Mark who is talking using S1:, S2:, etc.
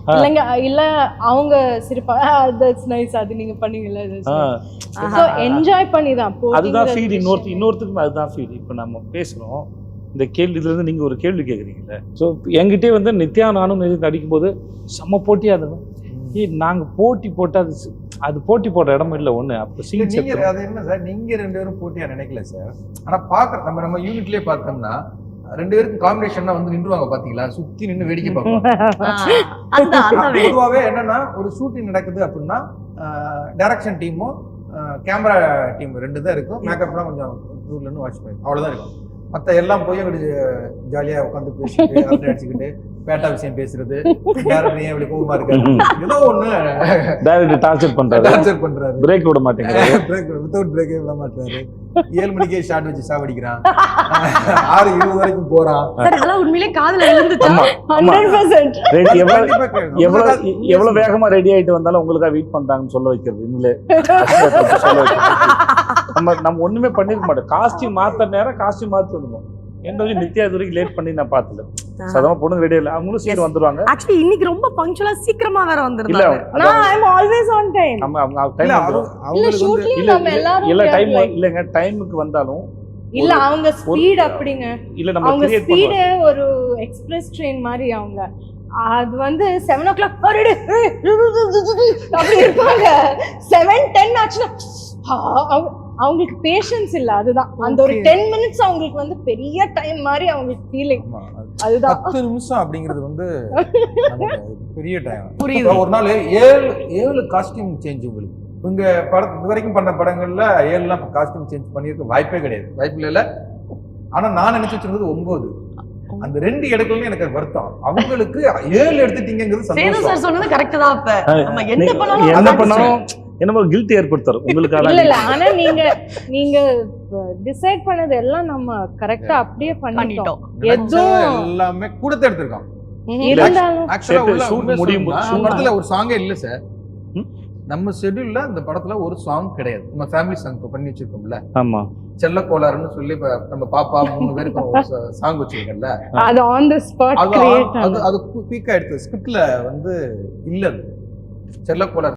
S1: இல்லைங்க இல்ல அவங்க சிரிப்பா தட்ஸ் நைஸ் அது நீங்க பண்ணீங்கல்ல என்ஜாய் பண்ணி தான்
S2: அதுதான் ஃபீல். இன்னொருத்தருக்கும் அதுதான் ஃபீல். இப்போ நம்ம பேசுகிறோம் இந்த கேள்வி, இதுலேருந்து நீங்கள் ஒரு கேள்வி கேட்குறீங்கல்ல. ஸோ என்கிட்டே வந்து நித்யா நானும் நடிக்கும்போது செம்ம போட்டியாக இருந்தோம். நாங்கள் போட்டி போட்டால் அது போட்டி போடுற இடம் இல்லை ஒன்று. அப்போ
S3: நீங்கள் அது என்ன சார், நீங்கள் 2 பேரும் போட்டியாக நினைக்கல சார். ஆனால் பார்க்குற நம்ம யூனிட்லேயே பார்த்தோம்னா 2 பேருக்கும் காம்பினேஷன்னா வந்து நின்றுவாங்க பார்த்தீங்களா, சுற்றி நின்று வேடிக்கை பார்ப்பாங்க. பொதுவாகவே என்னன்னா ஒரு ஷூட்டிங் நடக்குது அப்படின்னா டைரக்ஷன் டீமும் கேமரா டீம் 2 தான் இருக்கும். மேக்கப்லாம் கொஞ்சம் தூர்லேருந்து வாட்ச் பண்ணி அவ்வளோதான் இருக்கும். மற்ற எல்லாம் போய் அப்படி ஜாலியாக உட்காந்து பேசிக்கிட்டு அரட்டை அடிச்சுக்கிட்டு பேட்டா விஷயம் பேசுறது, டேரக்டர் ஏன் இப்படி கோவமா இருக்காரு, ஏதோ ஒன்று
S2: டேரக்டர் டார்ச்சர் பண்றாரு, பிரேக் விட மாட்டேங்கிறாரு,
S3: வித்தவுட் பிரேக்கே விட மாட்டாரு. 7 மணிக்கே ஷார்ட் வச்சு சாவடிக்கிறான், 6:20 வரைக்கும் போறான்.
S4: உண்மையிலே காதுல விழுந்துச்சு.
S1: 100%
S2: எவ்வளவு வேகமா ரெடி ஆயிட்டு வந்தாலும் உங்களுக்கா வெயிட் பண்றாங்கன்னு சொல்ல வைக்கிறது. இன்னும் நம்ம ஒண்ணுமே பண்ணிருக்க மாட்டோம். காஸ்டியூம் மாத்த நேரம் காஸ்டியூம் மாத்தி வந்துடும். என்ன நித்யா இது வரைக்கும் லேட் பண்ணி நான் பார்த்தல. சாதாரண பொண்ணுங்க ரெடி இல்ல, அவங்களும் சீக்கிரம் வந்துருவாங்க.
S4: ஆக்சுவலி இன்னைக்கு ரொம்ப பங்க்சுவலா சீக்கிரமா வேற வந்துருந்தாங்க.
S1: நான் I am always on time.
S2: அவங்க டைம்
S1: அவங்களுக்கு வந்து
S2: இல்ல டைம் இல்லங்க, டைமுக்கு வந்தாலும்
S1: இல்ல அவங்க ஸ்பீட் அப்படிங்க.
S2: இல்ல நம்ம
S1: அவங்க
S2: கிரியேட்
S1: ஸ்பீட் ஒரு எக்ஸ்பிரஸ் ட்ரெயின் மாதிரி. அவங்க அது வந்து 7 o'clock அப்படி இருப்பாங்க. 7:10 ஆச்சுன்னா அவங்களுக்கு பேஷன்ஸ் இல்ல. அதுதான் அந்த ஒரு 10 minutes அவங்களுக்கு வந்து பெரிய டைம் மாதிரி அவங்களுக்கு ஃபீலிங். அதுதான்
S3: 10 நிமிஷம் அப்படிங்கிறது வந்து பெரிய டைம். புரியுது. ஒரு நாள் 7 காஸ்டியூம் சேஞ்ச். உங்களுக்கு இங்க இது வரைக்கும் பண்ண படங்கள்ல 7 காஸ்டியூம் சேஞ்ச் பண்ணிருக்க வாய்ப்பே கிடையாது, வாய்ப்பு இல்ல. ஆனா நான் நினைச்சு வச்சிருந்தது 9. அந்த 2 எடுக்கலன்னு எனக்கு வருத்தம். அவங்களுக்கு 7 எடுத்துட்டீங்கிறது சந்தோஷம்.
S4: சார் சொன்னது கரெக்ட் தான். அப்ப நம்ம என்ன
S2: பண்ணாலும் என்ன ஒரு கில்ட் ஏற்படுத்தாரு உங்களுக்கு.
S1: இல்ல ஆனா நீங்க டிசைட் பண்ணது எல்லாம் நம்ம கரெக்டா அப்படியே பண்ணிட்டோம்.
S3: எல்லாமே கூடத்தை எடுத்திருக்கோம். படத்துல ஒரு சாங்கே இல்ல சார். நம்ம ஷெட்யூல்ல இந்த படத்துல ஒரு சாங் கிடையாது. நம்ம ஃபேமிலி சாங் பண்ணி வச்சிருக்கோம்ல.
S2: ஆமா,
S3: செல்ல கோளாறுன்னு சொல்லி நம்ம பாப்பா 3 பேருக்கு சாங் வச்சிருக்கோம்ல.
S1: அது ஆன் தி ஸ்பாட் கிரியேட்.
S3: அது பீக்கா எடுத்து ஸ்கிரிப்ட்ல வந்து இல்ல செல்ல கோளாறு.